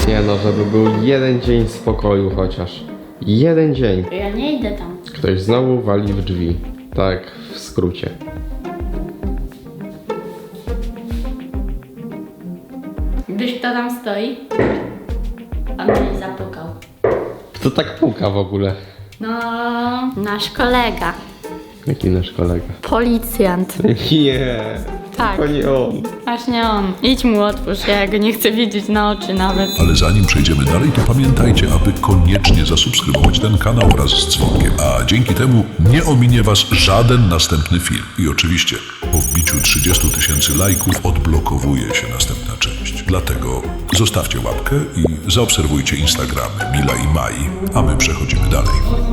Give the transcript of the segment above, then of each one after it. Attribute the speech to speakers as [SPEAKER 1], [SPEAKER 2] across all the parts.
[SPEAKER 1] Nie no, żeby był jeden dzień spokoju chociaż. Jeden dzień.
[SPEAKER 2] Ja nie idę tam.
[SPEAKER 1] Ktoś znowu wali w drzwi. Tak, w skrócie.
[SPEAKER 2] Gdyż kto tam stoi? On mnie zapukał.
[SPEAKER 1] Kto tak puka w ogóle?
[SPEAKER 2] No, nasz kolega.
[SPEAKER 1] Jaki nasz kolega?
[SPEAKER 2] Policjant.
[SPEAKER 1] Nie,
[SPEAKER 2] Tak,
[SPEAKER 1] to nie on.
[SPEAKER 2] właśnie on. Idź mu otwórz, ja go nie chcę widzieć na oczy nawet.
[SPEAKER 3] Ale zanim przejdziemy dalej, to pamiętajcie, aby koniecznie zasubskrybować ten kanał wraz z dzwonkiem, a dzięki temu nie ominie Was żaden następny film. I oczywiście po wbiciu 30 000 lajków odblokowuje się następna część. Dlatego zostawcie łapkę i zaobserwujcie Instagramy Mila i Mai, a my przechodzimy dalej.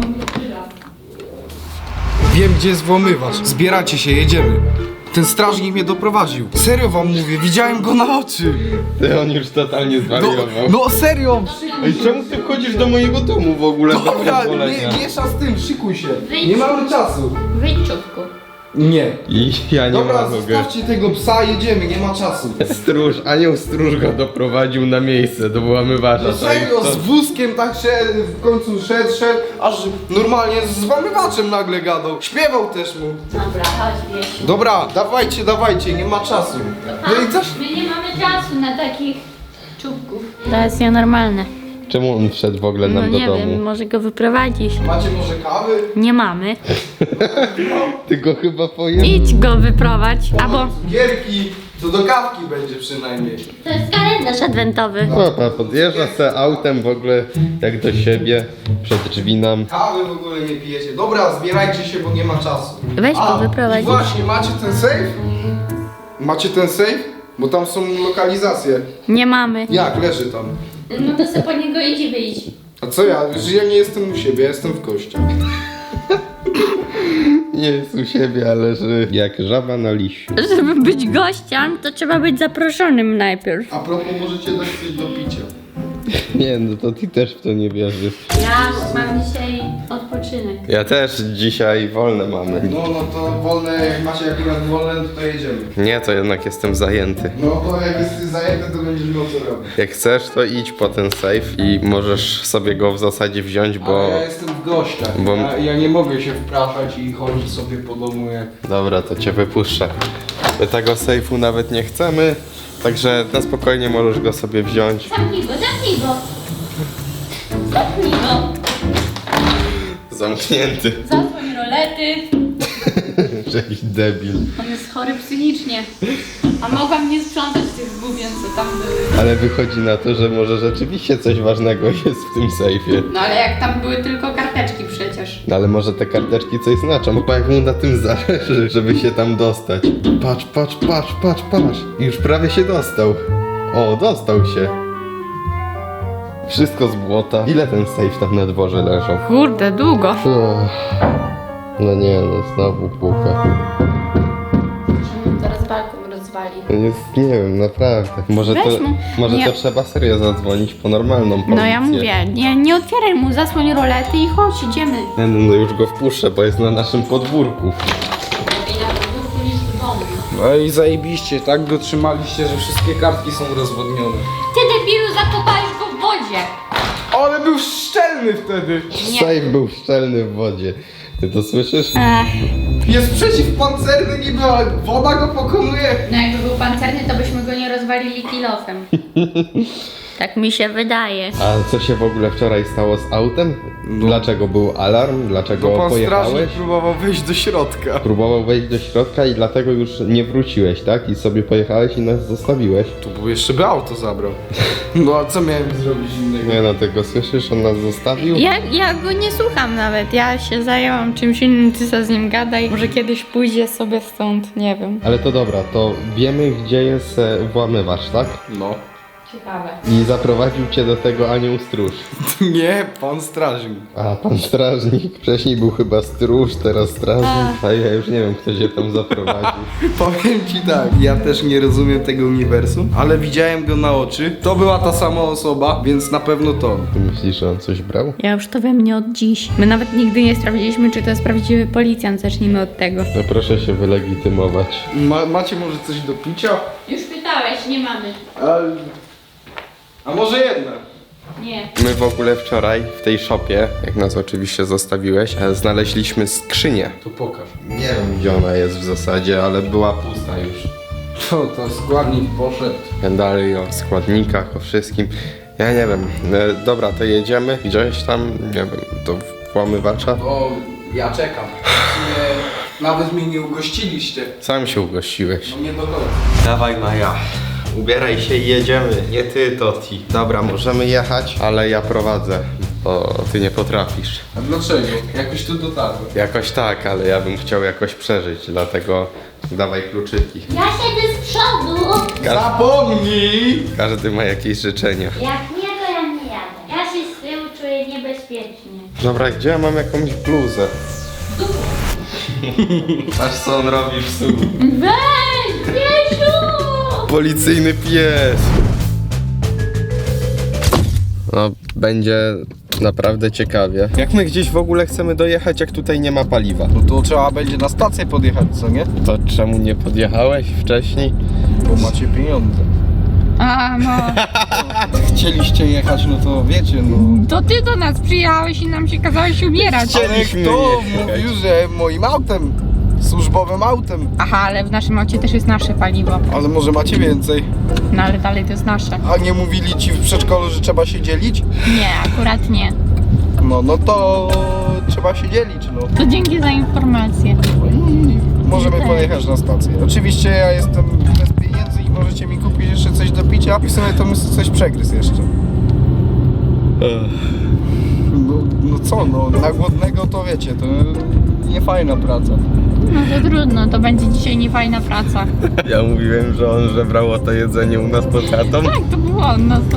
[SPEAKER 4] Wiem, gdzie jest włamywacz. Zbieracie się, jedziemy. Ten strażnik mnie doprowadził. Serio wam mówię, widziałem go na oczy.
[SPEAKER 1] Ty, on już totalnie
[SPEAKER 4] No,
[SPEAKER 1] zwariował.
[SPEAKER 4] no serio.
[SPEAKER 1] Ej, czemu ty wchodzisz do mojego domu w ogóle bez
[SPEAKER 4] Dobra,
[SPEAKER 1] pozwolenia?
[SPEAKER 4] miesza z tym, szykuj się.
[SPEAKER 2] Wyjdź.
[SPEAKER 4] Nie mamy czasu.
[SPEAKER 2] Wyjdź czubku.
[SPEAKER 4] Nie.
[SPEAKER 1] I ja nie
[SPEAKER 4] Dobra,
[SPEAKER 1] mogę.
[SPEAKER 4] zostawcie tego psa, jedziemy, nie ma czasu.
[SPEAKER 1] Anioł stróż go doprowadził na miejsce do włamywacza.
[SPEAKER 4] No serio, z wózkiem tak szedł, w końcu szedł, aż normalnie z włamywaczem nagle gadał. Śpiewał też mu.
[SPEAKER 2] Dobra, chodź, wiesz.
[SPEAKER 4] Dobra, dawajcie, nie ma czasu. No i coś...
[SPEAKER 2] My nie mamy czasu na takich czubków. To jest nienormalne.
[SPEAKER 1] Czemu on wszedł w ogóle
[SPEAKER 2] No
[SPEAKER 1] nam do
[SPEAKER 2] nie
[SPEAKER 1] domu?
[SPEAKER 2] wiem, może go wyprowadzić.
[SPEAKER 4] Macie może kawy?
[SPEAKER 2] Nie mamy.
[SPEAKER 1] Ty go chyba pojechał.
[SPEAKER 2] Idź go wyprowadź, albo...
[SPEAKER 4] Gierki, to do kawki będzie przynajmniej.
[SPEAKER 2] To jest kalendarz adwentowy.
[SPEAKER 1] Papa podjeżdża se autem w ogóle jak do siebie, przed drzwi nam.
[SPEAKER 4] Kawy w ogóle nie pijecie. Dobra, zbierajcie się, bo nie ma czasu.
[SPEAKER 2] Weź go wyprowadź.
[SPEAKER 4] I właśnie, macie ten safe? Macie ten safe? Bo tam są lokalizacje.
[SPEAKER 2] Nie mamy.
[SPEAKER 4] Jak? Leży tam.
[SPEAKER 2] No to sobie po niego idź i wyjdź.
[SPEAKER 4] A co ja? Że ja nie jestem u siebie, ja jestem w gościach.
[SPEAKER 1] Nie jest u siebie, ale że jak żaba na liściu.
[SPEAKER 2] Żeby być gościem, to trzeba być zaproszonym najpierw.
[SPEAKER 4] A propos, możecie dać coś do picia.
[SPEAKER 1] Nie, no to ty też w to nie wierzysz.
[SPEAKER 2] Ja mam dzisiaj odpoczynek.
[SPEAKER 1] Ja też dzisiaj wolne mamy.
[SPEAKER 4] No to wolne, jak macie akurat wolne, to jedziemy.
[SPEAKER 1] Nie, to jednak jestem zajęty.
[SPEAKER 4] No bo jak jesteś zajęty, to będziesz miał co robić.
[SPEAKER 1] Jak chcesz, to idź po ten safe i możesz sobie go w zasadzie wziąć, bo...
[SPEAKER 4] Ale ja jestem w gościach.
[SPEAKER 1] bo-
[SPEAKER 4] Ja nie mogę się wpraszać i chodzić sobie po domu jak...
[SPEAKER 1] Dobra, to cię wypuszczę. My tego sejfu nawet nie chcemy, także na spokojnie możesz go sobie wziąć.
[SPEAKER 2] Zamknij go, zamknij go. Zamknij go.
[SPEAKER 1] Zamknięty.
[SPEAKER 2] Zasłoń rolety.
[SPEAKER 1] Jakiś debil.
[SPEAKER 2] On jest chory psychicznie. A mogłam nie sprzątać tych gubien, co tam były.
[SPEAKER 1] Ale wychodzi na to, że może rzeczywiście coś ważnego jest w tym sejfie.
[SPEAKER 2] No ale jak tam były tylko karteczki przecież.
[SPEAKER 1] No ale może te karteczki coś znaczą, bo jak mu na tym zależy, żeby się tam dostać. Patrz. I już prawie się dostał. O, dostał się. Wszystko z błota. Ile ten sejf tam na dworze leżał?
[SPEAKER 2] Kurde, długo.
[SPEAKER 1] No nie, no znowu puka.
[SPEAKER 2] Teraz balkon rozwali.
[SPEAKER 1] Nie wiem, naprawdę. Może
[SPEAKER 2] Weź mu.
[SPEAKER 1] może
[SPEAKER 2] Nie.
[SPEAKER 1] to trzeba serio zadzwonić po normalną policję.
[SPEAKER 2] No ja mówię, nie otwieraj mu, zasłoń rolety i chodź, idziemy.
[SPEAKER 1] Nie, no już go wpuszczę, bo jest na naszym podwórku.
[SPEAKER 2] Lepiej na podwórku niż w domu.
[SPEAKER 4] No i zajebiście, tak go trzymaliście, że wszystkie kartki są rozwodnione.
[SPEAKER 2] Ty debilu, zakopałeś go w wodzie.
[SPEAKER 4] Ale był szczelny wtedy!
[SPEAKER 2] Nie.
[SPEAKER 1] Sejf był szczelny w wodzie. Ty to słyszysz?
[SPEAKER 4] Jest przeciwpancerny niby, ale woda go pokonuje.
[SPEAKER 2] No jakby był pancerny, to byśmy go nie rozwalili kilofem. Tak mi się wydaje.
[SPEAKER 1] A co się w ogóle wczoraj stało z autem? Dlaczego był alarm? Dlaczego
[SPEAKER 4] Bo pan
[SPEAKER 1] pojechałeś?
[SPEAKER 4] strażnik próbował wejść do środka.
[SPEAKER 1] Próbował wejść do środka i dlatego już nie wróciłeś, tak? I sobie pojechałeś i nas zostawiłeś.
[SPEAKER 4] To był jeszcze by auto zabrał. No a co miałem zrobić innego?
[SPEAKER 1] Nie no, tego słyszysz? On nas zostawił?
[SPEAKER 2] Ja go nie słucham nawet, ja się zajęłam czymś innym, ty co z nim gadaj. Może kiedyś pójdzie sobie stąd, nie wiem.
[SPEAKER 1] Ale to dobra, to wiemy gdzie jest włamywacz, tak?
[SPEAKER 4] No.
[SPEAKER 2] Ciekawe.
[SPEAKER 1] I zaprowadził cię do tego anioł stróż.
[SPEAKER 4] Nie, pan strażnik.
[SPEAKER 1] A, pan strażnik. Wcześniej był chyba stróż, teraz strażnik. A ja już nie wiem, kto się tam zaprowadził.
[SPEAKER 4] Powiem ci tak, ja też nie rozumiem tego uniwersum, ale widziałem go na oczy. To była ta sama osoba, więc na pewno to.
[SPEAKER 1] Ty myślisz, że on coś brał?
[SPEAKER 2] Ja już to wiem nie od dziś. My nawet nigdy nie sprawdziliśmy, czy to jest prawdziwy policjant. Zacznijmy od tego.
[SPEAKER 1] No proszę się wylegitymować.
[SPEAKER 4] Macie może coś do picia?
[SPEAKER 2] Już pytałeś, nie mamy.
[SPEAKER 4] A może jedna?
[SPEAKER 2] Nie.
[SPEAKER 1] My w ogóle wczoraj w tej shopie, jak nas oczywiście zostawiłeś, znaleźliśmy skrzynię.
[SPEAKER 4] To pokaż.
[SPEAKER 1] Nie wiem gdzie ona jest w zasadzie, ale była pusta już.
[SPEAKER 4] To składnik poszedł.
[SPEAKER 1] Dalej o składnikach, o wszystkim. Ja nie wiem. Dobra, to jedziemy gdzieś tam, nie wiem, do włamywacza.
[SPEAKER 4] O, ja czekam. W sumie nawet mnie nie ugościliście.
[SPEAKER 1] Sam się ugościłeś.
[SPEAKER 4] No nie do końca.
[SPEAKER 1] Dawaj Maja, ubieraj się i jedziemy. Nie ty, Toti. Dobra, możemy jechać, ale ja prowadzę, bo ty nie potrafisz.
[SPEAKER 4] A dlaczego? Jakoś tu dotarłem.
[SPEAKER 1] Jakoś tak, ale ja bym chciał jakoś przeżyć, dlatego dawaj kluczyki.
[SPEAKER 5] Ja siedzę z przodu.
[SPEAKER 4] Zapomnij!
[SPEAKER 1] Każdy ma jakieś życzenia.
[SPEAKER 5] Jak nie, to ja nie jadę. Ja się z tyłu czuję niebezpiecznie.
[SPEAKER 1] Dobra, gdzie ja mam jakąś bluzę? Patrz co on robi w stół.
[SPEAKER 5] Weź, Piesiu!
[SPEAKER 1] Policyjny pies. No, będzie naprawdę ciekawie. Jak my gdzieś w ogóle chcemy dojechać, jak tutaj nie ma paliwa?
[SPEAKER 4] No to trzeba będzie na stację podjechać, co nie?
[SPEAKER 1] To czemu nie podjechałeś wcześniej?
[SPEAKER 4] Bo macie pieniądze.
[SPEAKER 2] A, no.
[SPEAKER 4] Chcieliście jechać, no to wiecie, no.
[SPEAKER 2] To ty do nas przyjechałeś i nam się kazałeś ubierać.
[SPEAKER 4] Ale
[SPEAKER 1] Chcieliśmy
[SPEAKER 4] kto
[SPEAKER 1] jechać.
[SPEAKER 4] mówił, że moim autem? Służbowym autem.
[SPEAKER 2] Aha, ale w naszym aucie też jest nasze paliwo.
[SPEAKER 4] Ale może macie więcej.
[SPEAKER 2] No ale dalej to jest nasze.
[SPEAKER 4] A nie mówili ci w przedszkolu, że trzeba się dzielić?
[SPEAKER 2] Nie, akurat nie.
[SPEAKER 4] No to trzeba się dzielić, no.
[SPEAKER 2] To dzięki za informację.
[SPEAKER 4] Możemy
[SPEAKER 2] Tak.
[SPEAKER 4] pojechać na stację. Oczywiście ja jestem bez pieniędzy i możecie mi kupić jeszcze coś do picia i w sumie to bym sobie coś przegryzł jeszcze. No co, no na głodnego to wiecie, to nie fajna praca.
[SPEAKER 2] No to trudno, to będzie dzisiaj niefajna praca.
[SPEAKER 1] Ja mówiłem, że on żebrał to jedzenie u nas pod chatą.
[SPEAKER 2] Tak, to było on na 100%.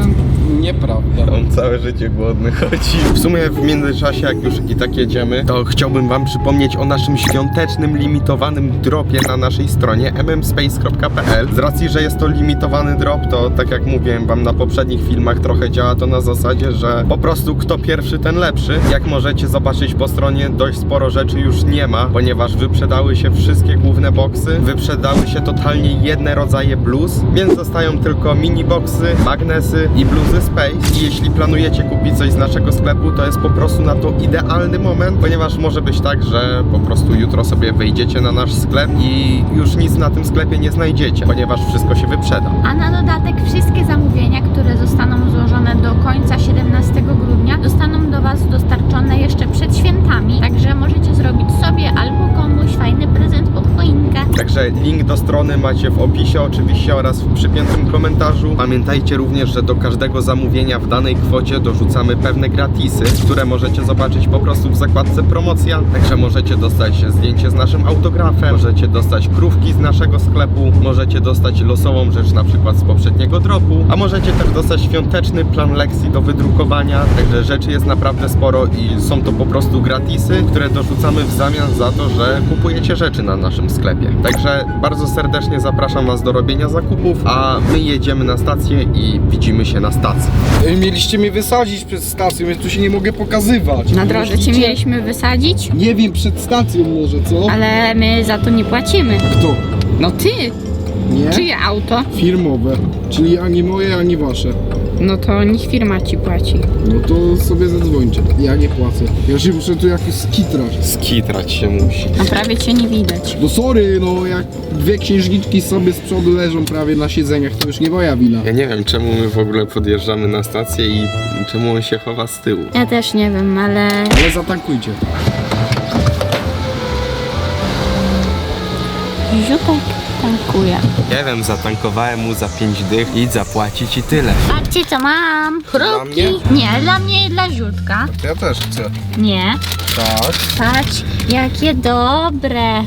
[SPEAKER 4] Nieprawda.
[SPEAKER 1] On całe życie głodny chodzi. W sumie w międzyczasie, jak już i tak jedziemy, to chciałbym wam przypomnieć o naszym świątecznym, limitowanym dropie na naszej stronie mmspace.pl. Z racji, że jest to limitowany drop, to tak jak mówiłem wam na poprzednich filmach, trochę działa to na zasadzie, że po prostu kto pierwszy, ten lepszy. Jak możecie zobaczyć po stronie, dość sporo rzeczy już nie ma, ponieważ wyprzedały się wszystkie główne boksy, wyprzedały się totalnie jedne rodzaje bluz, więc zostają tylko mini boksy, magnesy i bluzy Space. I jeśli planujecie kupić coś z naszego sklepu, to jest po prostu na to idealny moment, ponieważ może być tak, że po prostu jutro sobie wejdziecie na nasz sklep i już nic na tym sklepie nie znajdziecie, ponieważ wszystko się wyprzeda.
[SPEAKER 5] A na dodatek wszystkie zamówienia, które zostaną złożone do końca 17 grudnia, zostaną do Was dostarczone jeszcze przed świętami. Także możecie zrobić sobie albo komuś fajny prezent pod choinkę.
[SPEAKER 1] Także link do strony macie w opisie oczywiście oraz w przypiętym komentarzu. Pamiętajcie również, że do każdego zamówienia w danej kwocie dorzucamy pewne gratisy, które możecie zobaczyć po prostu w zakładce promocja. Także możecie dostać zdjęcie z naszym autografem, możecie dostać krówki z naszego sklepu, możecie dostać losową rzecz na przykład z poprzedniego dropu, a możecie też dostać świąteczny plan lekcji do wydrukowania. Także rzeczy jest naprawdę sporo i są to po prostu gratisy, które dorzucamy w zamian za to, że kupujecie rzeczy na naszym sklepie. Także bardzo serdecznie zapraszam Was do robienia zakupów, a my jedziemy na stację i widzimy się na stacji.
[SPEAKER 4] Mieliście mnie wysadzić przed stacją, więc tu się nie mogę pokazywać.
[SPEAKER 2] Na drodze cię mieliśmy wysadzić,
[SPEAKER 4] Nie wiem, przed stacją może, co?
[SPEAKER 2] ale my za to nie płacimy.
[SPEAKER 4] Kto?
[SPEAKER 2] No ty!
[SPEAKER 4] Nie?
[SPEAKER 2] Czyje auto?
[SPEAKER 4] Firmowe, czyli ani moje, ani wasze.
[SPEAKER 2] No to niech firma ci płaci.
[SPEAKER 4] No to sobie zadzwońcie. Ja nie płacę. Ja się muszę tu jakiś skitrać.
[SPEAKER 1] Skitrać się musi.
[SPEAKER 2] A prawie cię nie widać.
[SPEAKER 4] No sorry, no jak dwie księżniczki sobie z przodu leżą prawie na siedzeniach, to już nie moja wina.
[SPEAKER 1] Ja nie wiem, czemu my w ogóle podjeżdżamy na stację i czemu on się chowa z tyłu.
[SPEAKER 2] Ja też nie wiem, ale...
[SPEAKER 4] Ale zatankujcie.
[SPEAKER 2] Ziutek tankuje.
[SPEAKER 1] Nie wiem, zatankowałem mu za 5 dych i zapłacić i tyle.
[SPEAKER 5] Patrzcie co mam.
[SPEAKER 4] Dla mnie?
[SPEAKER 5] Nie, dla mnie i dla Ziutka.
[SPEAKER 4] Ja też chcę.
[SPEAKER 5] Nie.
[SPEAKER 4] Tak.
[SPEAKER 5] Patrz, jakie dobre.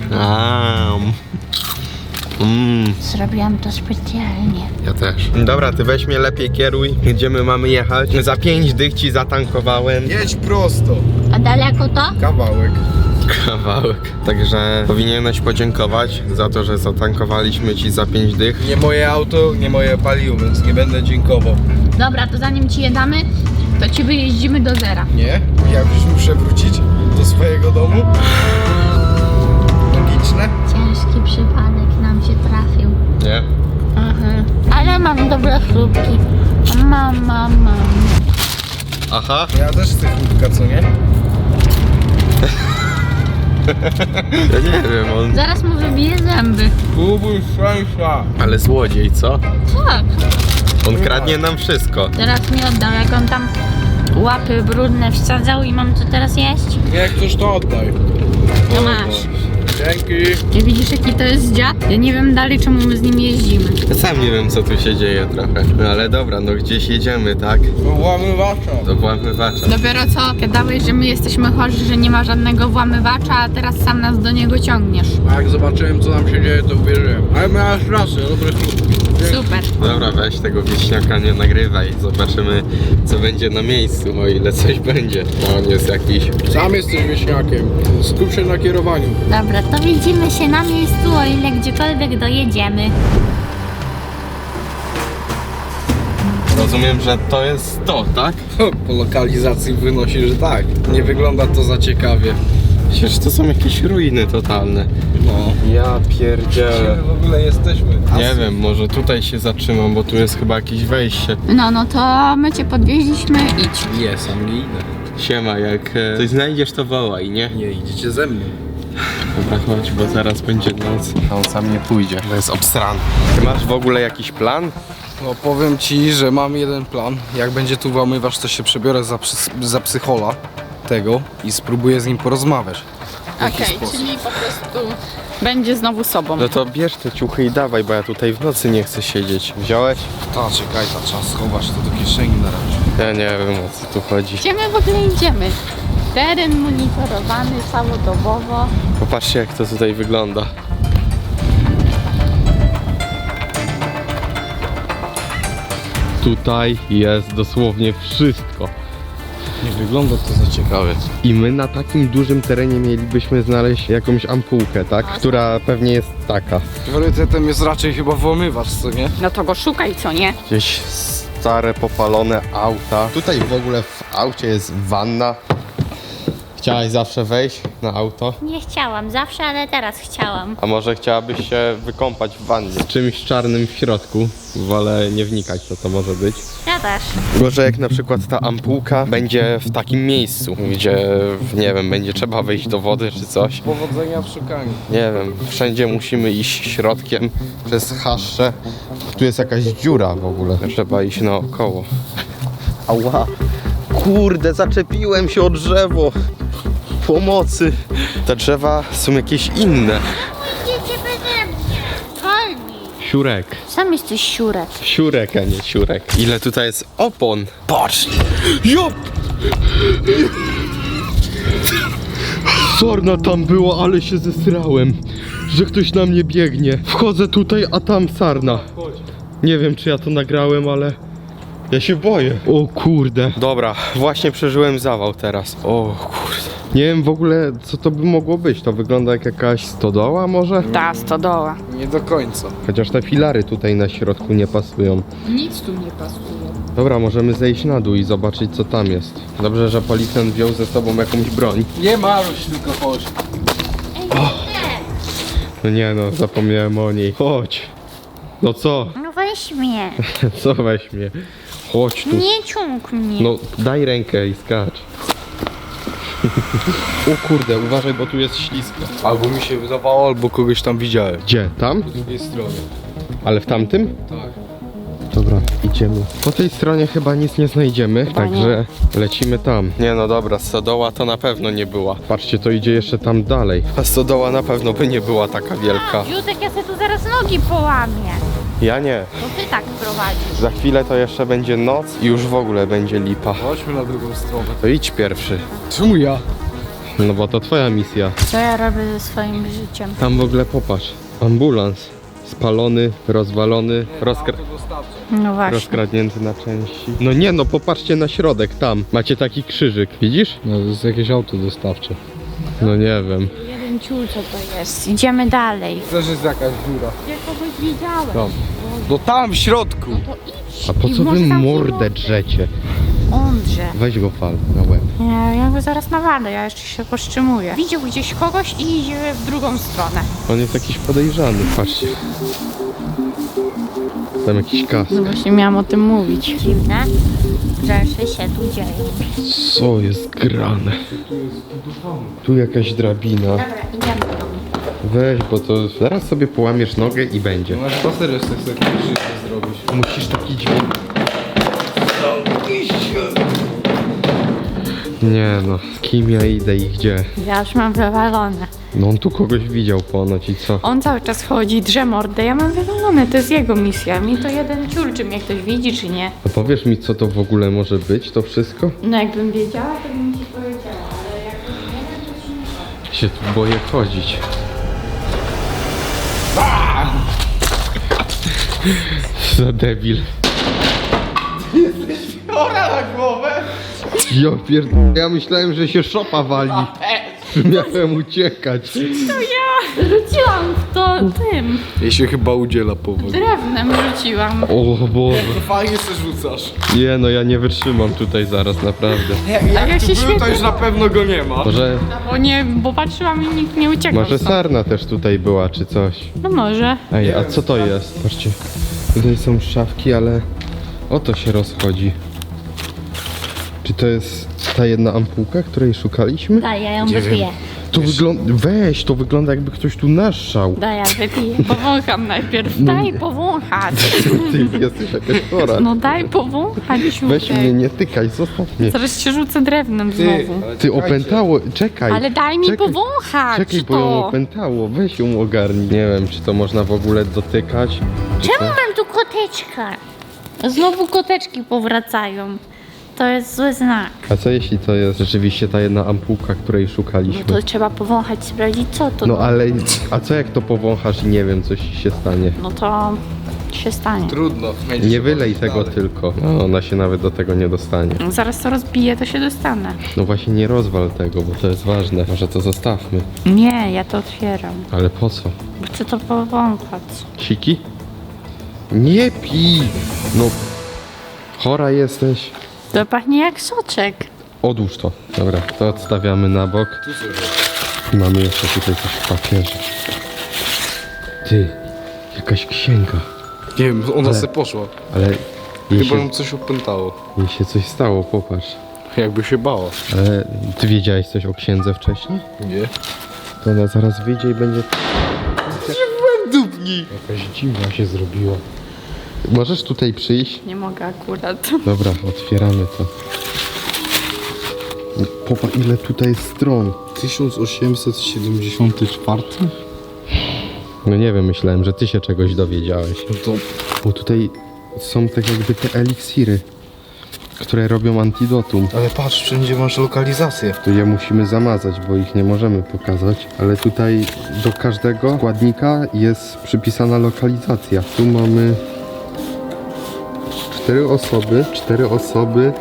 [SPEAKER 5] Zrobiłam to specjalnie.
[SPEAKER 1] Ja też. Dobra, ty weź mnie lepiej kieruj, gdzie my mamy jechać. Za 5 dych ci zatankowałem.
[SPEAKER 4] Jedź prosto.
[SPEAKER 5] A daleko to?
[SPEAKER 4] Kawałek.
[SPEAKER 1] Kawałek. Także powinieneś podziękować za to, że zatankowaliśmy ci za 5 dych.
[SPEAKER 4] Nie moje auto, nie moje paliwo, więc nie będę dziękował.
[SPEAKER 2] Dobra, to zanim ci je damy, to ci wyjeździmy do zera.
[SPEAKER 4] Nie? Ja już muszę wrócić do swojego domu. Logiczne?
[SPEAKER 5] Ciężki przypadek nam się trafił.
[SPEAKER 1] Nie?
[SPEAKER 5] Ale mam dobre chrupki. Mam.
[SPEAKER 1] Aha.
[SPEAKER 4] Ja też chcę chlubka, co nie?
[SPEAKER 1] Ja nie wiem, on...
[SPEAKER 2] Zaraz mu wybije zęby.
[SPEAKER 4] Kubuj szczęścia.
[SPEAKER 1] Ale złodziej, co?
[SPEAKER 2] Tak.
[SPEAKER 1] On kradnie nam wszystko.
[SPEAKER 2] Teraz mi oddał, jak on tam łapy brudne wsadzał i mam co teraz jeść?
[SPEAKER 4] Jak chcesz, to oddaj.
[SPEAKER 2] To masz.
[SPEAKER 4] Dzięki.
[SPEAKER 2] Nie widzisz, jaki to jest dziad? Ja nie wiem dalej, czemu my z nim jeździmy.
[SPEAKER 1] Ja sam nie wiem, co tu się dzieje trochę. No ale dobra, no gdzieś jedziemy, tak?
[SPEAKER 4] Włamywacza.
[SPEAKER 1] Do włamywacza.
[SPEAKER 2] Dopiero co gadałeś, że my jesteśmy chorzy, że nie ma żadnego włamywacza, a teraz sam nas do niego ciągniesz.
[SPEAKER 4] A jak zobaczyłem, co tam się dzieje, to uwierzyłem. Ale miałeś rację, dobre chlubki.
[SPEAKER 2] Super.
[SPEAKER 1] Dobra, weź tego wieśniaka, nie nagrywaj. Zobaczymy, co będzie na miejscu, o ile coś będzie. No, on jest jakiś...
[SPEAKER 4] Sam jesteś wieśniakiem. Skup się na kierowaniu.
[SPEAKER 5] Dobra, to widzimy się na miejscu, o ile gdziekolwiek dojedziemy.
[SPEAKER 1] Rozumiem, że to jest to, tak?
[SPEAKER 4] Po lokalizacji wynosi, że tak. Nie wygląda to za ciekawie.
[SPEAKER 1] Przecież to są jakieś ruiny totalne.
[SPEAKER 4] No.
[SPEAKER 1] Ja pierdzielę.
[SPEAKER 4] Gdzie w ogóle jesteśmy?
[SPEAKER 1] Nie wiem, może tutaj się zatrzymam, bo tu jest chyba jakieś wejście.
[SPEAKER 2] No to my cię podwieźliśmy, idź.
[SPEAKER 4] Nie, sam nie idę.
[SPEAKER 1] Siema, jak coś znajdziesz, to wołaj, nie?
[SPEAKER 4] Nie, idziecie ze mną.
[SPEAKER 1] Dobra, chodź, bo zaraz będzie noc, a on sam nie pójdzie. To jest obsran. Ty masz w ogóle jakiś plan?
[SPEAKER 4] No powiem ci, że mam jeden plan. Jak będzie tu włamywacz, to się przebiorę za psychola tego i spróbuję z nim porozmawiać.
[SPEAKER 2] Okej, czyli po prostu będzie znowu sobą.
[SPEAKER 1] No to bierz te ciuchy i dawaj, bo ja tutaj w nocy nie chcę siedzieć. Wziąłeś?
[SPEAKER 4] Ta, czekaj, trzeba schować to do kieszeni na razie.
[SPEAKER 1] Ja nie wiem, o co tu chodzi.
[SPEAKER 2] Gdzie my w ogóle idziemy? Teren monitorowany całodobowo.
[SPEAKER 1] Popatrzcie, jak to tutaj wygląda. Tutaj jest dosłownie wszystko.
[SPEAKER 4] Nie wygląda to za ciekawie.
[SPEAKER 1] I my na takim dużym terenie mielibyśmy znaleźć jakąś ampułkę, tak? Która pewnie jest taka.
[SPEAKER 4] Priorytetem jest raczej chyba włamywacz, co nie?
[SPEAKER 2] No to go szukaj, co nie?
[SPEAKER 1] Gdzieś stare, popalone auta. Tutaj w ogóle w aucie jest wanna. Chciałaś zawsze wejść na auto?
[SPEAKER 5] Nie chciałam zawsze, ale teraz chciałam.
[SPEAKER 1] A może chciałabyś się wykąpać w wannie? Z czymś czarnym w środku. Wolę nie wnikać, co to może być.
[SPEAKER 5] Ja też.
[SPEAKER 1] Może jak na przykład ta ampułka będzie w takim miejscu, gdzie, nie wiem, będzie trzeba wejść do wody czy coś.
[SPEAKER 4] Powodzenia w szukaniu.
[SPEAKER 1] Nie wiem, wszędzie musimy iść środkiem przez chaszcze. Tu jest jakaś dziura w ogóle. Trzeba iść naokoło. Ała! Kurde, zaczepiłem się o drzewo. Pomocy. Te drzewa są jakieś inne.
[SPEAKER 5] Idziecie beze mnie. Wolni.
[SPEAKER 1] Siurek.
[SPEAKER 5] Sam jesteś siurek.
[SPEAKER 1] Siurek, a nie siurek. Ile tutaj jest opon? Patrz! Jop! Sorna tam było, ale się zesrałem, że ktoś na mnie biegnie. Wchodzę tutaj, a tam sarna. Nie wiem, czy ja to nagrałem, ale ja się boję. O kurde. Dobra, właśnie przeżyłem zawał teraz. O kurde. Nie wiem w ogóle, co to by mogło być. To wygląda jak jakaś stodoła może?
[SPEAKER 2] Ta stodoła.
[SPEAKER 4] Nie do końca.
[SPEAKER 1] Chociaż te filary tutaj na środku nie pasują.
[SPEAKER 2] Nic tu nie pasuje.
[SPEAKER 1] Dobra, możemy zejść na dół i zobaczyć, co tam jest. Dobrze, że policjant wziął ze sobą jakąś broń.
[SPEAKER 4] Nie maruś, tylko chodź.
[SPEAKER 1] No nie no, zapomniałem o niej. Chodź. No co?
[SPEAKER 5] No weź mnie.
[SPEAKER 1] Co weź mnie? Chodź tu.
[SPEAKER 5] Nie ciąg mnie.
[SPEAKER 1] No, daj rękę i skacz. O kurde, uważaj, bo tu jest ślisko.
[SPEAKER 4] Albo mi się wydawało, albo kogoś tam widziałem.
[SPEAKER 1] Gdzie? Tam?
[SPEAKER 4] Po drugiej stronie.
[SPEAKER 1] Ale w tamtym?
[SPEAKER 4] Tak.
[SPEAKER 1] Dobra, idziemy. Po tej stronie chyba nic nie znajdziemy, także lecimy tam. Nie no dobra, stodoła to na pewno nie była. Patrzcie, to idzie jeszcze tam dalej. A stodoła na pewno by nie była taka wielka.
[SPEAKER 5] Józek, ja sobie tu zaraz nogi połamię.
[SPEAKER 1] Ja nie.
[SPEAKER 5] Bo ty tak prowadzisz.
[SPEAKER 1] Za chwilę to jeszcze będzie noc i już w ogóle będzie lipa.
[SPEAKER 4] Chodźmy na drugą stronę.
[SPEAKER 1] To idź pierwszy.
[SPEAKER 4] Czemu ja?
[SPEAKER 1] No bo to twoja misja.
[SPEAKER 2] Co ja robię ze swoim życiem?
[SPEAKER 1] Tam w ogóle popatrz. Ambulans. Spalony, rozwalony,
[SPEAKER 2] No właśnie.
[SPEAKER 1] rozkradnięty na części. No nie no, popatrzcie na środek tam. Macie taki krzyżyk, widzisz?
[SPEAKER 4] No to jest jakieś auto dostawcze.
[SPEAKER 1] No nie wiem.
[SPEAKER 2] Jeden ciul, co to jest. Idziemy dalej.
[SPEAKER 4] Też jest jakaś dziura.
[SPEAKER 2] Ja kogoś widziałem.
[SPEAKER 4] Tam. No tam w środku.
[SPEAKER 2] To idź.
[SPEAKER 1] A po
[SPEAKER 2] I
[SPEAKER 1] co wy
[SPEAKER 2] może tam
[SPEAKER 1] mordę drzecie?
[SPEAKER 2] Ondrze.
[SPEAKER 1] Weź go fal na łeb.
[SPEAKER 2] Ja go zaraz nawalę, ja jeszcze się powstrzymuję. Widział gdzieś kogoś i idzie w drugą stronę.
[SPEAKER 1] On jest jakiś podejrzany, patrzcie. Tam jakiś kask.
[SPEAKER 2] No właśnie miałam o tym mówić.
[SPEAKER 5] Dziwne rzeczy się tu dzieją.
[SPEAKER 1] Co jest grane? Tu jakaś drabina.
[SPEAKER 5] Dobra, idziemy tam.
[SPEAKER 1] Weź, bo to zaraz sobie połamiesz nogę i będzie.
[SPEAKER 4] Masz spacer jeszcze sobie życie zrobić.
[SPEAKER 1] Musisz taki dźwięk. Nie no, z kim ja idę i gdzie?
[SPEAKER 2] Ja już mam wywalone.
[SPEAKER 1] No on tu kogoś widział ponoć i co?
[SPEAKER 2] On cały czas chodzi, drze mordę, ja mam wywalone, to jest jego misja. Mi to jeden ciul, czy mnie ktoś widzi, czy nie.
[SPEAKER 1] A powiesz mi, co to w ogóle może być, to wszystko?
[SPEAKER 2] No jakbym wiedziała, to bym ci powiedziała, ale jak już nie wiem, to ci nie powiem.
[SPEAKER 1] Się tu boję chodzić. Za debil.
[SPEAKER 4] Chora na głowę!
[SPEAKER 1] Ja pierdolę, ja myślałem, że się szopa wali. Miałem uciekać.
[SPEAKER 2] Rzuciłam w to tym,
[SPEAKER 4] Jej się chyba udziela powoli.
[SPEAKER 2] drewnem rzuciłam.
[SPEAKER 1] O Boże.
[SPEAKER 4] Fajnie se rzucasz.
[SPEAKER 1] Nie no, ja nie wytrzymam tutaj zaraz, naprawdę.
[SPEAKER 2] jak
[SPEAKER 4] tu
[SPEAKER 2] się
[SPEAKER 4] był, to
[SPEAKER 2] świetnie-
[SPEAKER 4] już na pewno go nie ma.
[SPEAKER 1] Może,
[SPEAKER 2] Bo patrzyłam i nikt nie uciekał.
[SPEAKER 1] może
[SPEAKER 2] stąd.
[SPEAKER 1] sarna też tutaj była, czy coś.
[SPEAKER 2] No może.
[SPEAKER 1] Ej, a co to jest? Patrzcie, tutaj są szafki, ale o to się rozchodzi. Czy to jest ta jedna ampułka, której szukaliśmy?
[SPEAKER 5] Daj, ja ją wypiję.
[SPEAKER 1] To wygląda... Weź, to wygląda jakby ktoś tu naszczał.
[SPEAKER 2] Daj, ja wypiję. Powącham najpierw. Daj powąchać.
[SPEAKER 1] Ty jesteś jakaś chora.
[SPEAKER 2] No daj powąchać,
[SPEAKER 1] Weź
[SPEAKER 2] siutek.
[SPEAKER 1] mnie, nie tykaj, zostaw mnie.
[SPEAKER 2] Zaraz się rzucę drewnem znowu.
[SPEAKER 1] Ty opętało, czekaj.
[SPEAKER 2] Ale daj mi
[SPEAKER 1] czekaj,
[SPEAKER 2] powąchać
[SPEAKER 1] Czekaj, bo ją
[SPEAKER 2] to.
[SPEAKER 1] opętało, weź ją ogarnij. Nie wiem, czy to można w ogóle dotykać. Czy
[SPEAKER 5] Czemu
[SPEAKER 1] co?
[SPEAKER 5] mam tu koteczka?
[SPEAKER 2] Znowu koteczki powracają. To jest zły znak.
[SPEAKER 1] A co jeśli to jest rzeczywiście ta jedna ampułka, której
[SPEAKER 2] No
[SPEAKER 1] szukaliśmy?
[SPEAKER 2] to trzeba powąchać, sprawdzić co to.
[SPEAKER 1] No ale, a co jak to powąchasz i nie wiem, coś się stanie?
[SPEAKER 2] No to się stanie.
[SPEAKER 4] Trudno. Będzie
[SPEAKER 1] Nie
[SPEAKER 4] się
[SPEAKER 1] wylej
[SPEAKER 4] chodzić
[SPEAKER 1] tego
[SPEAKER 4] dalej.
[SPEAKER 1] tylko. No, ona się nawet do tego nie dostanie.
[SPEAKER 2] Zaraz to rozbiję, to się dostanę.
[SPEAKER 1] No właśnie nie rozwal tego, bo to jest ważne. Może to zostawmy.
[SPEAKER 2] Nie, ja to otwieram.
[SPEAKER 1] Ale po co?
[SPEAKER 2] Bo chcę to powąchać.
[SPEAKER 1] Siki? Nie pij! No, chora jesteś.
[SPEAKER 2] To pachnie jak soczek.
[SPEAKER 1] Odłóż to. Dobra, to odstawiamy na bok. Mamy jeszcze tutaj coś w papierze. Ty, jakaś księga.
[SPEAKER 4] Nie wiem, ona
[SPEAKER 1] Ale-
[SPEAKER 4] se poszła.
[SPEAKER 1] Ale jej
[SPEAKER 4] Chyba
[SPEAKER 1] się,
[SPEAKER 4] ją coś opętało.
[SPEAKER 1] jej się coś stało, popatrz.
[SPEAKER 4] Jakby się bała.
[SPEAKER 1] Ale ty wiedziałeś coś o księdze wcześniej?
[SPEAKER 4] Nie?
[SPEAKER 1] To ona zaraz wyjdzie i będzie...
[SPEAKER 4] Dupni!
[SPEAKER 1] Jakaś dziwna się zrobiła. Możesz tutaj przyjść?
[SPEAKER 2] Nie mogę akurat.
[SPEAKER 1] Dobra, otwieramy to. Popatrz, ile tutaj jest stron.
[SPEAKER 4] 1874?
[SPEAKER 1] No nie wiem, myślałem, że ty się czegoś dowiedziałeś.
[SPEAKER 4] No to
[SPEAKER 1] Bo tutaj są tak jakby te eliksiry, które robią antidotum.
[SPEAKER 4] ale patrz, wszędzie masz lokalizację.
[SPEAKER 1] To je musimy zamazać, bo ich nie możemy pokazać. Ale tutaj do każdego składnika jest przypisana lokalizacja. Tu mamy 4 osoby.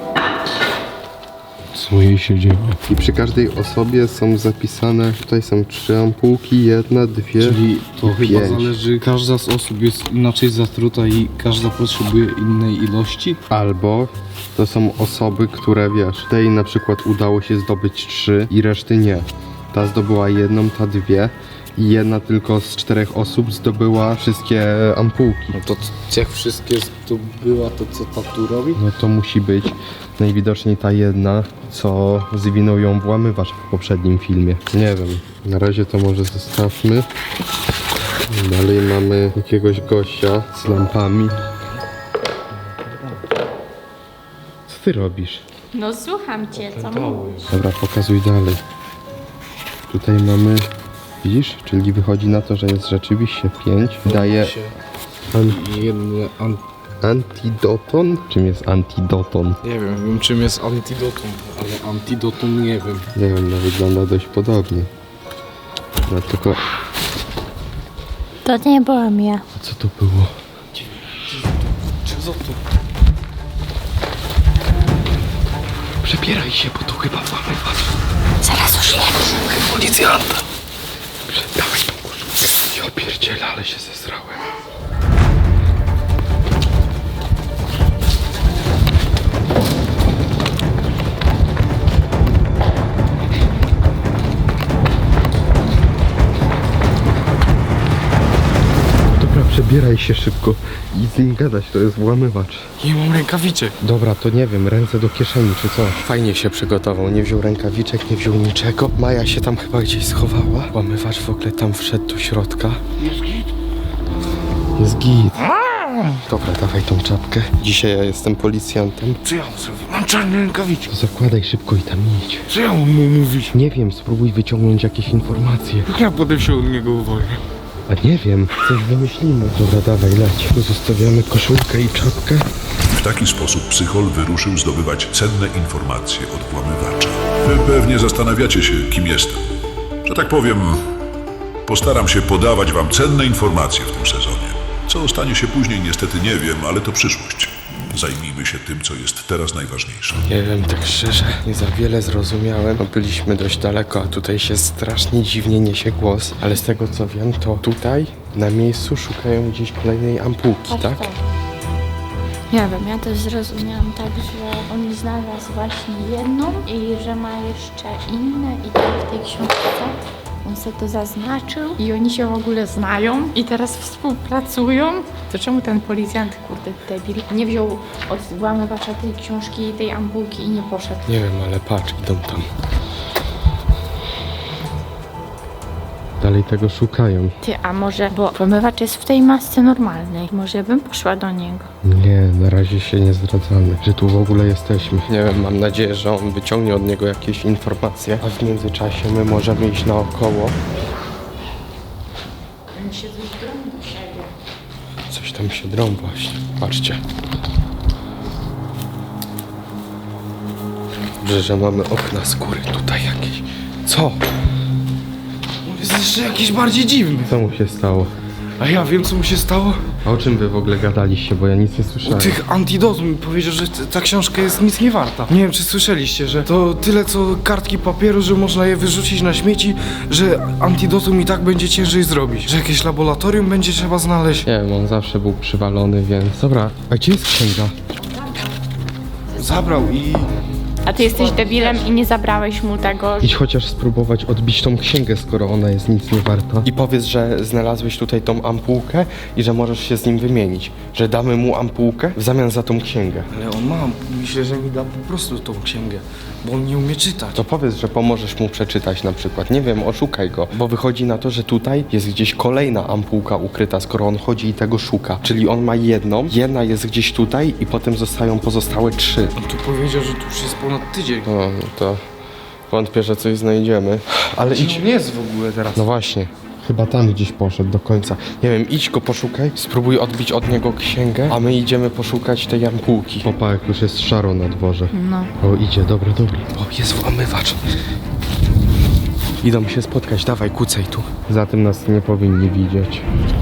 [SPEAKER 4] Co jej się dzieje?
[SPEAKER 1] I przy każdej osobie są zapisane, tutaj są 3 ampułki, 1, 2
[SPEAKER 6] Czyli to
[SPEAKER 1] i
[SPEAKER 6] chyba
[SPEAKER 1] 5.
[SPEAKER 6] zależy, każda z osób jest inaczej zatruta i każda potrzebuje innej ilości.
[SPEAKER 1] Albo to są osoby, które wiesz, tej na przykład udało się zdobyć 3 i reszty nie. Ta zdobyła 1, ta 2 i jedna tylko z 4 osób zdobyła wszystkie ampułki.
[SPEAKER 6] No to jak wszystkie zdobyła, to co ta tu robi?
[SPEAKER 1] No to musi być najwidoczniej ta jedna, co zwinął ją włamywacz w poprzednim filmie. Nie wiem, na razie to może zostawmy. Dalej mamy jakiegoś gościa z lampami. Co ty robisz?
[SPEAKER 2] No słucham cię, co mówisz?
[SPEAKER 1] Dobra, pokazuj dalej. Tutaj mamy, widzisz, czyli wychodzi na to, że jest rzeczywiście 5. Daje
[SPEAKER 6] Jedne
[SPEAKER 1] antidoton? Czym jest antidoton?
[SPEAKER 4] Nie wiem czym jest antidotum.
[SPEAKER 6] ale antidotum nie wiem.
[SPEAKER 1] Nie wiem, no wygląda dość podobnie. No tylko,
[SPEAKER 5] To nie byłam ja.
[SPEAKER 1] co to było? Przebieraj się, bo tu chyba włamywacz.
[SPEAKER 5] Zaraz już jem.
[SPEAKER 1] Policjanta. Dawaj tą koszulkę. Ja pierdzielę, ale się zesrałem. Dobra, Zbieraj się szybko i z nim gadać, to jest włamywacz.
[SPEAKER 4] Nie mam rękawiczek.
[SPEAKER 1] Dobra, to nie wiem, ręce do kieszeni czy co. Fajnie się przygotował, nie wziął rękawiczek, nie wziął niczego. Maja się tam chyba gdzieś schowała. Włamywacz w ogóle tam wszedł do środka. Jest git. Dobra, dawaj tą czapkę. Dzisiaj ja jestem policjantem.
[SPEAKER 4] Co ja mam zrobić? Mam czarne rękawiczki.
[SPEAKER 1] To zakładaj szybko i tam idź.
[SPEAKER 4] Co ja mam mu mówić?
[SPEAKER 1] Nie wiem, spróbuj wyciągnąć jakieś informacje.
[SPEAKER 4] Jak ja potem się od niego uwolnię?
[SPEAKER 1] A nie wiem, coś wymyślimy. Dobra, dawaj, leć. Tu zostawiamy koszulkę i czapkę.
[SPEAKER 3] W taki sposób psychol wyruszył zdobywać cenne informacje od włamywacza. Wy pewnie zastanawiacie się, kim jestem. Że tak powiem, postaram się podawać wam cenne informacje w tym sezonie. Co stanie się później, niestety nie wiem, ale to przyszłość. Zajmijmy się tym, co jest teraz najważniejsze.
[SPEAKER 1] Nie wiem, tak szczerze, nie za wiele zrozumiałem. No, byliśmy dość daleko, a tutaj się strasznie dziwnie niesie głos. Ale z tego co wiem, to tutaj na miejscu szukają gdzieś kolejnej ampułki, tak?
[SPEAKER 5] Nie wiem, ja też zrozumiałam tak, że on znalazł właśnie jedną i że ma jeszcze inne i tak w tej książce on sobie to zaznaczył.
[SPEAKER 2] I oni się w ogóle znają i teraz współpracują. To czemu ten policjant, kurde, debil, nie wziął od włamywacza tej książki i tej ampułki i nie poszedł?
[SPEAKER 1] Nie wiem, ale patrz, idą tam. Dalej tego szukają.
[SPEAKER 5] Ty, a może, bo włamywacz jest w tej masce normalnej, może bym poszła do niego.
[SPEAKER 1] Nie, na razie się nie zdradzamy, że tu w ogóle jesteśmy. Nie wiem, mam nadzieję, że on wyciągnie od niego jakieś informacje, a w międzyczasie my możemy iść naokoło.
[SPEAKER 2] Oni się coś drą do siebie.
[SPEAKER 1] Coś tam się drą właśnie, patrzcie. Dobrze, że mamy okna z góry tutaj jakieś. Co?
[SPEAKER 4] Jest jeszcze jakiś bardziej dziwny.
[SPEAKER 1] Co mu się stało?
[SPEAKER 4] A ja wiem, co mu się stało.
[SPEAKER 1] A o czym wy w ogóle gadaliście, bo ja nic nie
[SPEAKER 4] U
[SPEAKER 1] słyszałem.
[SPEAKER 4] tych antidotum powiedział, że ta książka jest nic nie warta. Nie wiem, czy słyszeliście, że to tyle co kartki papieru, że można je wyrzucić na śmieci, że antidotum i tak będzie ciężej zrobić. Że jakieś laboratorium będzie trzeba znaleźć.
[SPEAKER 1] Nie wiem, on zawsze był przywalony, więc... Dobra, a gdzie jest księga?
[SPEAKER 4] Zabrał i...
[SPEAKER 2] A ty jesteś debilem i nie zabrałeś mu tego.
[SPEAKER 1] Idź chociaż spróbować odbić tą księgę, skoro ona jest nic nie warta. I powiedz, że znalazłeś tutaj tą ampułkę i że możesz się z nim wymienić. Że damy mu ampułkę w zamian za tą księgę.
[SPEAKER 4] Ale on ma, myślę, że mi da po prostu tą księgę, bo on nie umie czytać.
[SPEAKER 1] To powiedz, że pomożesz mu przeczytać na przykład. Nie wiem, oszukaj go. Bo wychodzi na to, że tutaj jest gdzieś kolejna ampułka ukryta, skoro on chodzi i tego szuka. Czyli on ma jedną, jedna jest gdzieś tutaj i potem zostają pozostałe 3.
[SPEAKER 4] On tu powiedział, że tu już jest ponad tydzień.
[SPEAKER 1] No to wątpię, że coś znajdziemy. Ale
[SPEAKER 4] Gdzie
[SPEAKER 1] idź.
[SPEAKER 4] on jest w ogóle teraz?
[SPEAKER 1] No właśnie. Chyba tam gdzieś poszedł do końca. Nie wiem, idź go poszukaj, spróbuj odbić od niego księgę, a my idziemy poszukać tej ampułki. Popa, jak już jest szaro na dworze.
[SPEAKER 2] No.
[SPEAKER 1] O, idzie, dobra. O, jest włamywacz. Idą się spotkać, dawaj, kucaj tu. Za tym nas nie powinni widzieć.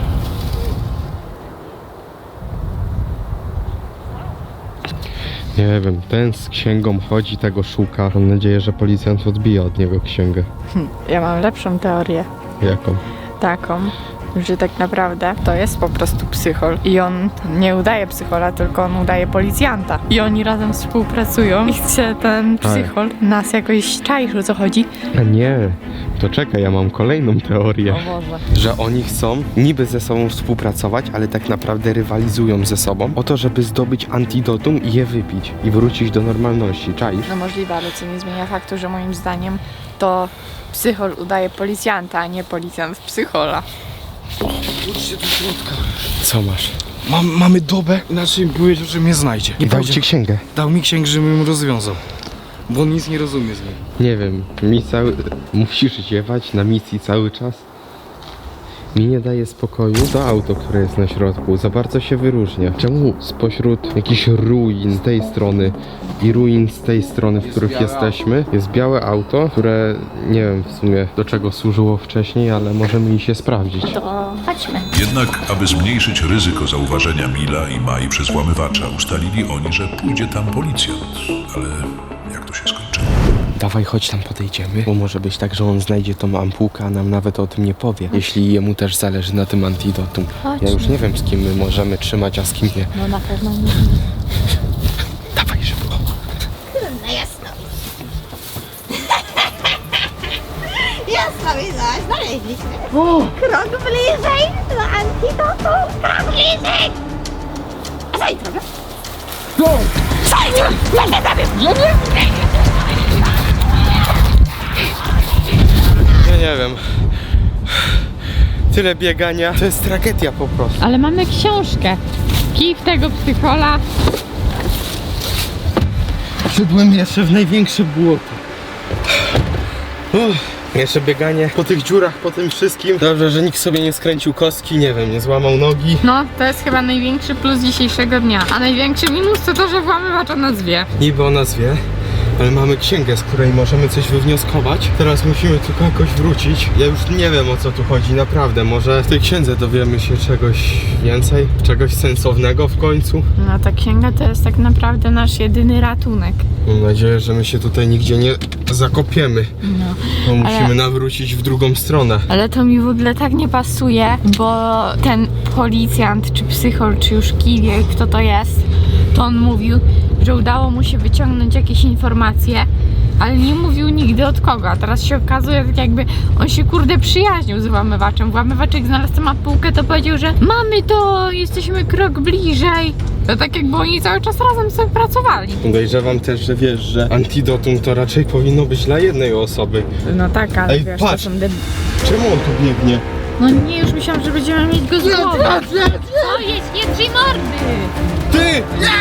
[SPEAKER 1] Nie wiem, ten z księgą chodzi, tego szuka. Mam nadzieję, że policjant odbije od niego księgę.
[SPEAKER 2] Ja mam lepszą teorię.
[SPEAKER 1] Jaką?
[SPEAKER 2] Taką, że tak naprawdę to jest po prostu psychol i on nie udaje psychola, tylko on udaje policjanta. I oni razem współpracują i chce ten psychol nas jakoś czaić, o co chodzi.
[SPEAKER 1] A nie, to czekaj, ja mam kolejną teorię.
[SPEAKER 2] Boże.
[SPEAKER 1] Że oni chcą niby ze sobą współpracować, ale tak naprawdę rywalizują ze sobą o to, żeby zdobyć antidotum i je wypić i wrócić do normalności, czaisz?
[SPEAKER 2] No możliwe, ale co nie zmienia faktu, że moim zdaniem to psychol udaje policjanta, a nie policjant psychola.
[SPEAKER 4] Chodźcie do środka.
[SPEAKER 1] Co masz?
[SPEAKER 4] Mamy dobę, inaczej mi powiedział, że mnie znajdzie.
[SPEAKER 1] I dał ci księgę.
[SPEAKER 4] Dał mi księgę, żebym ją rozwiązał. Bo on nic nie rozumie z niej.
[SPEAKER 1] Nie wiem, musisz ziewać na misji cały czas. Mi nie daje spokoju to auto, które jest na środku. Za bardzo się wyróżnia. Czemu spośród jakichś ruin z tej strony i ruin z tej strony, w których jesteśmy, jest białe auto, które nie wiem w sumie do czego służyło wcześniej, ale możemy iść je sprawdzić.
[SPEAKER 5] To chodźmy.
[SPEAKER 3] Jednak, aby zmniejszyć ryzyko zauważenia Mila i Mai przez włamywacza, ustalili oni, że pójdzie tam policjant. Ale jak to się skończy?
[SPEAKER 1] Dawaj, chodź tam podejdziemy, bo może być tak, że on znajdzie tą ampułkę, a nam nawet o tym nie powie. Jeśli jemu też zależy na tym antidotum.
[SPEAKER 5] Chodźmy.
[SPEAKER 1] Ja już nie wiem, z kim my możemy trzymać, a z kim nie.
[SPEAKER 5] No na pewno nie.
[SPEAKER 1] Dawaj szybko.
[SPEAKER 7] No jasno. Jasno, widziałaś, znaleźli
[SPEAKER 5] Krok bliżej do antidotu! Krok bliżej! Zejdź trochę!
[SPEAKER 1] Ja nie wiem. Tyle biegania, to jest tragedia po prostu.
[SPEAKER 2] Ale mamy książkę. Kij w tego psychola.
[SPEAKER 1] Wszedłem jeszcze w największe błoto. Jeszcze bieganie po tych dziurach, po tym wszystkim. Dobrze, że nikt sobie nie skręcił kostki, nie wiem, nie złamał nogi.
[SPEAKER 2] No, to jest chyba największy plus dzisiejszego dnia. A największy minus to to, że włamywacz o nas wie.
[SPEAKER 1] Niby o nas wie, ale mamy księgę, z której możemy coś wywnioskować. Teraz musimy tylko jakoś wrócić. Ja już nie wiem, o co tu chodzi, naprawdę. Może w tej księdze dowiemy się czegoś więcej, czegoś sensownego w końcu.
[SPEAKER 2] No, ta księga to jest tak naprawdę nasz jedyny ratunek.
[SPEAKER 1] Mam nadzieję, że my się tutaj nigdzie nie zakopiemy.
[SPEAKER 2] No.
[SPEAKER 1] Bo musimy
[SPEAKER 2] Ale-
[SPEAKER 1] nawrócić w drugą stronę.
[SPEAKER 2] Ale to mi w ogóle tak nie pasuje, bo ten policjant, czy psychol, czy już kiwie, kto to jest, to on mówił, że udało mu się wyciągnąć jakieś informacje, ale nie mówił nigdy od kogo, a teraz się okazuje, tak jakby on się kurde przyjaźnił z włamywaczem. Włamywacz jak znalazł tę mapówkę, to powiedział, że mamy to, jesteśmy krok bliżej. To tak jakby oni cały czas razem sobie pracowali.
[SPEAKER 1] Podejrzewam też, że wiesz, że antidotum to raczej powinno być dla jednej osoby.
[SPEAKER 2] No tak, ale
[SPEAKER 1] Ej,
[SPEAKER 2] wiesz,
[SPEAKER 1] patrz.
[SPEAKER 2] to są
[SPEAKER 1] Czemu on tu biegnie?
[SPEAKER 2] No nie, już myślałam, że będziemy mieć go z głowy.
[SPEAKER 5] O, jedź, nie drzyj mordy!
[SPEAKER 1] Ty! Nie!